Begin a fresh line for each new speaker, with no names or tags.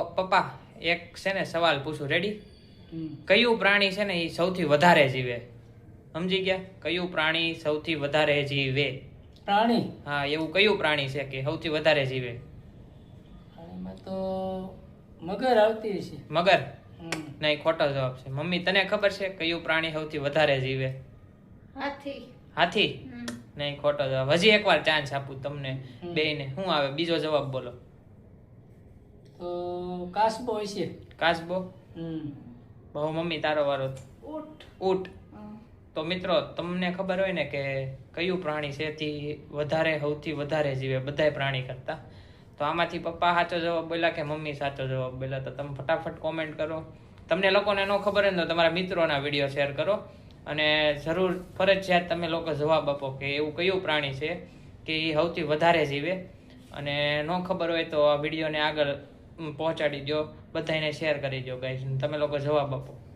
પપ્પા એક છે ને સવાલ પૂછું, રેડી? કયું પ્રાણી છે ને એ સૌથી વધારે જીવે? સમજી ગયા? કયું પ્રાણી સૌથી વધારે જીવે?
પ્રાણી?
હા, એવું કયું પ્રાણી છે કે સૌથી વધારે જીવે?
પ્રાણીમાં તો મગર આવતી હશે.
મગર? નહીં, ખોટો જવાબ છે. મમ્મી તને ખબર છે કયું પ્રાણી સૌથી વધારે જીવે?
હાથી.
હાથી? નહીં, ખોટો જવાબ. હજી એકવાર ચાન્સ આપું તમને બેયને. શું આવે બીજો જવાબ? બોલો.
તો કાસબો હશે.
કાચબો? બહુ મમ્મી તારો વારો.
ઊંટ.
ઊંટ. તો મિત્રો તમને ખબર હોય ને કે કયું પ્રાણી છે તે વધારે સૌથી વધારે જીવે બધાય પ્રાણી કરતા, તો આમાંથી પપ્પા સાચો જવાબ બોલ્યા કે મમ્મી સાચો જવાબ બોલ્યા? તો તમે ફટાફટ કોમેન્ટ કરો. તમને લોકોને ન ખબર હોય ને તો તમારા મિત્રોના વિડીયો શેર કરો અને જરૂર ફરજિયાત તમે લોકો જવાબ આપો કે એવું કયું પ્રાણી છે કે એ સૌથી વધારે જીવે. અને ન ખબર હોય તો આ વિડીયોને આગળ પહોંચાડી દો, બધાને શેર કરી દો ગાઈઝ. તમે લોકો જવાબ આપો.